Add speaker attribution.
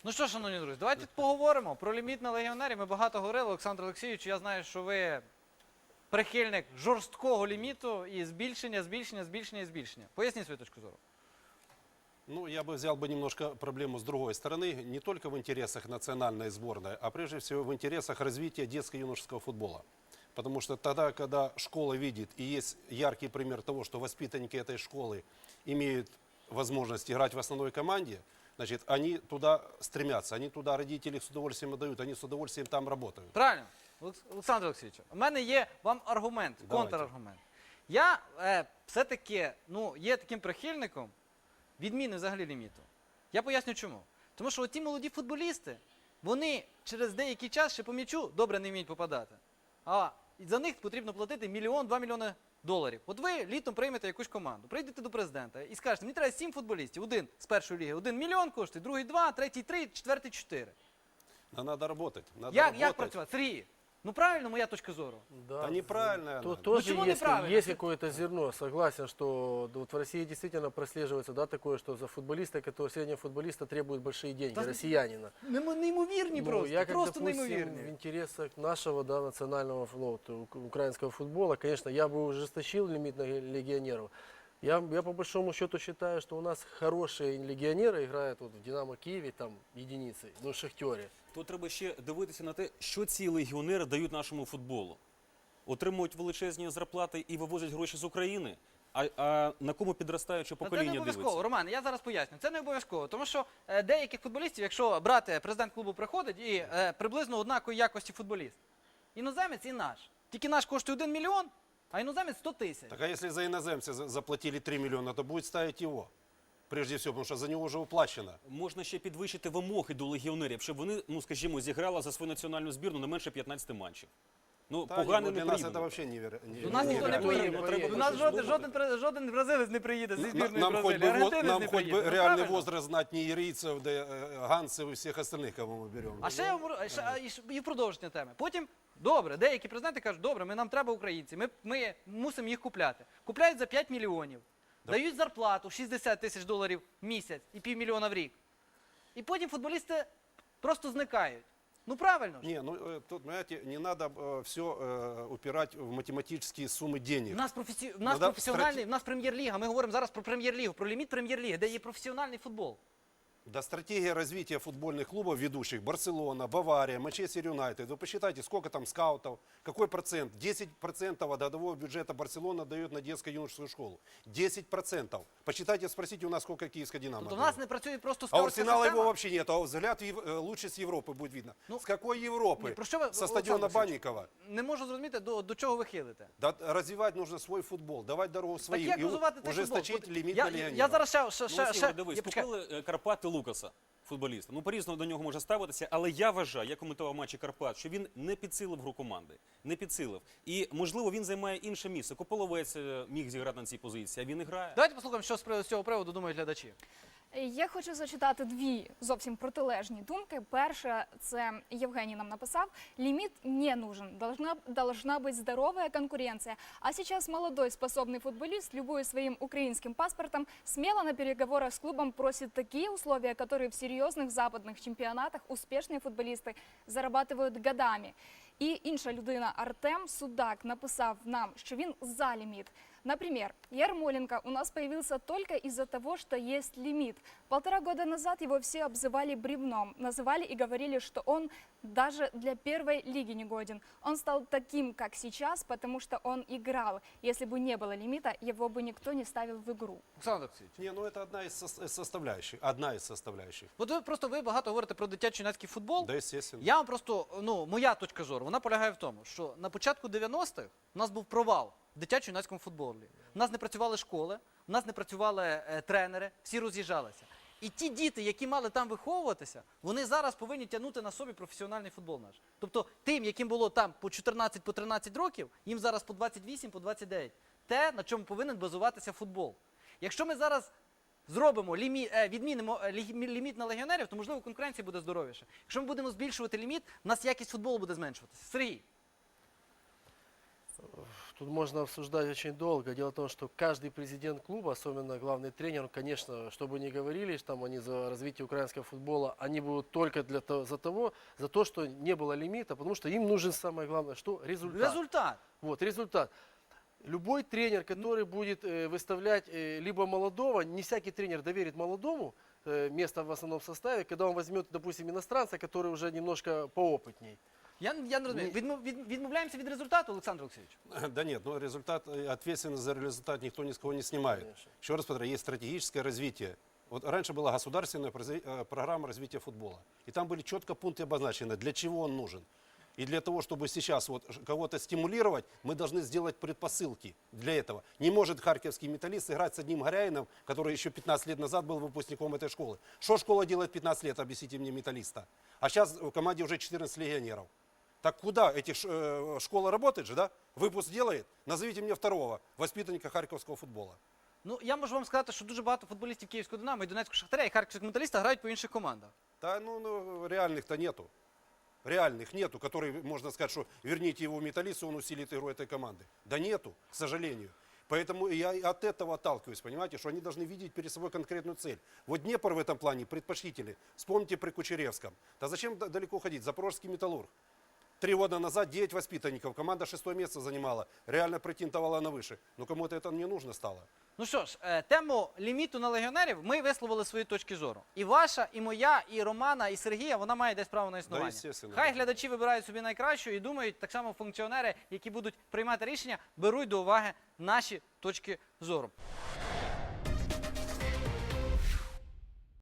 Speaker 1: Ну що, шановні друзі, давайте поговоримо про ліміт на легіонерів. Ми багато говорили, Олександр Олексійович, я знаю, що ви прихильник жорсткого ліміту і збільшення. Поясніть свою точку зору.
Speaker 2: Ну, я бы взял немножко проблему с другой стороны. Не только в интересах национальной сборной, а прежде всего в интересах развития детско-юношеского футбола. Потому что тогда, когда школа видит, и есть яркий пример того, что воспитанники этой школы имеют возможность играть в основной команде, значит, они туда стремятся, они туда родители с удовольствием отдают, они с удовольствием там работают.
Speaker 1: Правильно, Олександр Олексійович, у мене є вам аргумент, контраргумент. Я все-таки є таким прихильником відміни взагалі ліміту. Я поясню чому. Тому що ті молоді футболісти, вони через деякий час ще по м'ячу добре не вміють попадати. А за них потрібно платити 1-2 мільйони доларів. От ви літом приймете якусь команду, прийдете до президента і скажете, мені треба 7 футболістів, один з першої ліги, 1 мільйон коштує, другий 2, третій 3, четвертий 4.
Speaker 2: Но надо работать.
Speaker 1: Як працювати? Сергій, ну правильно моя точка зору?
Speaker 2: Да неправильно.
Speaker 3: Тоже
Speaker 1: почему неправильно?
Speaker 3: есть какое-то зерно. Согласен, что вот в России действительно прослеживается такое, что за футболиста, среднего футболиста требуют большие деньги, россиянина.
Speaker 1: Неймовірні
Speaker 3: Я, как,
Speaker 1: просто
Speaker 3: допустим,
Speaker 1: неймовірні.
Speaker 3: в интересах нашего национального украинского футбола, конечно, я бы ужесточил лимит на легионеров. Я по большому счету считаю, что у нас хорошие легионеры играют в «Динамо Киеве» там единицы, в «Шахтере».
Speaker 4: Тут треба ще дивитися на те, що ці легіонери дають нашому футболу. Отримують величезні зарплати і вивозять гроші з України, а на кому підростаюче покоління
Speaker 1: Це не
Speaker 4: дивиться?
Speaker 1: обов'язково, Роман, я зараз поясню. Це не обов'язково, тому що деяких футболістів, якщо брати, президент клубу приходить і приблизно однакової якості футболіст. Іноземець і наш. Тільки наш коштує 1 мільйон, а іноземець 100 тисяч.
Speaker 2: Так а если за иноземца заплатили 3 миллиона, то будет ставить его. Прежде всего, потому что за него уже уплачено.
Speaker 4: Можна ще підвищити вимоги до легіонерів, щоб вони, скажімо, зіграли за свою національну збірну не менше 15 матчів. Погано
Speaker 2: для
Speaker 4: не
Speaker 2: нас это
Speaker 4: приїде.
Speaker 2: вообще
Speaker 1: До нас ніхто не поїде. До нас жоден бразилець не приїде зі збірної Бразилії. Аргентинець
Speaker 2: Нам
Speaker 1: не
Speaker 2: хоть
Speaker 1: приїде.
Speaker 2: бы реальный возраст знать не ирийцев, да Ганцев и всех остальных, кого мы берем.
Speaker 1: А ще і в продовження теми. Потім, добре, деякі президенти кажуть, добре, нам треба українці, ми мусимо їх купляти. Купляють за 5 мільйонів, дають зарплату 60 тисяч доларів в місяць і півмільйона в рік. І потім футболісти просто зникають. Ну правильно ж.
Speaker 2: Не, тут, понимаете, не надо все упирать в математические суммы денег.
Speaker 1: У нас професіональний, у нас прем'єр-ліга, ми говоримо зараз про прем'єр-лігу, про ліміт прем'єр-ліги, де є професіональний футбол.
Speaker 2: Да, стратегия развития футбольных клубов ведущих, Барселона, Бавария, Манчестер Юнайтед. Вы посчитайте, сколько там скаутов, какой процент? 10% от годового бюджета Барселона дает на детско-юношескую школу. 10%. Посчитайте, спросите у нас, сколько киевская «Динамо»
Speaker 1: Тобто у
Speaker 2: дает.
Speaker 1: нас не працює просто
Speaker 2: А у
Speaker 1: скаутська
Speaker 2: Арсенала его
Speaker 1: система?
Speaker 2: вообще нет. А взгляд лучше с Европы будет видно. С какой Европы?
Speaker 1: Ні, про що ви,
Speaker 2: Со
Speaker 1: Олександр
Speaker 2: стадиона
Speaker 1: Олексійович,
Speaker 2: Банникова.
Speaker 1: Не можу зрозуміти, до чого ви хилите.
Speaker 2: Да, развивать нужно свой футбол, давать дорогу
Speaker 1: Так
Speaker 2: своим
Speaker 1: як
Speaker 2: и
Speaker 1: розвивати цей
Speaker 2: ужесточить
Speaker 1: футбол?
Speaker 2: лимит на
Speaker 1: Я
Speaker 2: легионеров.
Speaker 1: зараз
Speaker 4: Дивись,
Speaker 1: я почекаю.
Speaker 4: купили Карпати Лукаса, футболіста. По-різному до нього може ставитися, але я вважаю, я коментував матчі Карпат, що він не підсилив гру команди. Не підсилив. І, можливо, він займає інше місце. Кополовець міг зіграти на цій позиції, а він і грає.
Speaker 1: Давайте послухаємо, що з цього приводу думають глядачі.
Speaker 5: Я хочу зачитати дві зовсім протилежні думки. Перша, це Євгеній нам написав, лимит не нужен, должна быть здоровая конкуренция. А сейчас молодой способный футболист, любуясь своим украинским паспортом, смело на переговорах с клубом просит такие условия, которые в серьезных западных чемпионатах успешные футболисты зарабатывают годами. І інша людина, Артем Судак, написав нам, що він за лимит. Например, Ярмоленко у нас появился только из-за того, что есть лимит. 1,5 года назад его все обзывали бревном, называли и говорили, что он даже для первой лиги не годен. Он стал таким, как сейчас, потому что он играл. Если бы не было лимита, его бы никто не ставил в игру.
Speaker 1: Олександр Олексійович.
Speaker 2: Не, это одна из составляющих. Одна из составляющих.
Speaker 1: От ви багато говорите про дитячо-юнацький футбол.
Speaker 2: Да, естественно.
Speaker 1: Я вам просто, моя точка зору, вона полягає в тому, що на початку 90-х у нас був провал в дитячо-юнацькому футболі. У нас не працювали школи, у нас не працювали тренери, всі роз'їжджалися. І ті діти, які мали там виховуватися, вони зараз повинні тягнути на собі професіональний футбол наш. Тобто тим, яким було там по 14, по 13 років, їм зараз по 28, по 29. Те, на чому повинен базуватися футбол. Якщо ми зараз зробимо відмінимо ліміт на легіонерів, то, можливо, конкуренція буде здоровіша. Якщо ми будемо збільшувати ліміт, у нас якість футболу буде зменшуватися. Сергій.
Speaker 3: Тут можно обсуждать очень долго. Дело в том, что каждый президент клуба, особенно главный тренер, конечно, что бы ни говорили, что там они за развитие украинского футбола, они будут только за то, что не было лимита, потому что им нужен самое главное, что результат.
Speaker 1: Результат.
Speaker 3: Вот, результат. Любой тренер, который будет выставлять либо молодого, не всякий тренер доверит молодому место в основном составе, когда он возьмет, допустим, иностранца, который уже немножко поопытней.
Speaker 1: Я не розумію. Відмовляємося від результату, Олександр Олексійович?
Speaker 2: Да нет, но результат, ответственность за результат никто ни с кого не снимает.
Speaker 3: Конечно.
Speaker 2: Еще раз повторяю, есть стратегическое развитие. Вот раньше была государственная программа развития футбола. И там были четко пункты обозначены, для чего он нужен. И для того, чтобы сейчас вот кого-то стимулировать, мы должны сделать предпосылки для этого. Не может харьковский металлист играть с одним Горяином, который еще 15 лет назад был выпускником этой школы. Что школа делает 15 лет, объясните мне, металлиста? А сейчас в команде уже 14 легионеров. Так куда? Школа работает же, да? Выпуск делает? Назовите мне второго воспитанника харьковского футбола.
Speaker 1: Ну, я можу вам сказати, що дуже багато футболістів Київського Динамо і Донецького Шахтаря і Харківського Металіста грають по інших командах.
Speaker 2: Да, реальных-то нету. Реальных нету, который, можно сказать, что верните его металлисту, он усилит игру этой команды. Да нету, к сожалению. Поэтому я и от этого отталкиваюсь, понимаете, что они должны видеть перед собой конкретную цель. Вот Днепр в этом плане предпочтительный. Вспомните при Кучеревском. Да зачем далеко ходить? Запорожский Металлург. 3 года назад 9 воспитанников, команда 6-е место занимала, реально претендовала на выше. Но кому-то это не нужно стало.
Speaker 1: Ну що ж, тему ліміту на легіонерів ми висловили свої точки зору. І ваша, і моя, і Романа, і Сергія, вона має десь право на існування.
Speaker 2: естественно.
Speaker 1: Хай глядачі вибирають собі найкращу і думають, так само функціонери, які будуть приймати рішення, беруть до уваги наші точки зору.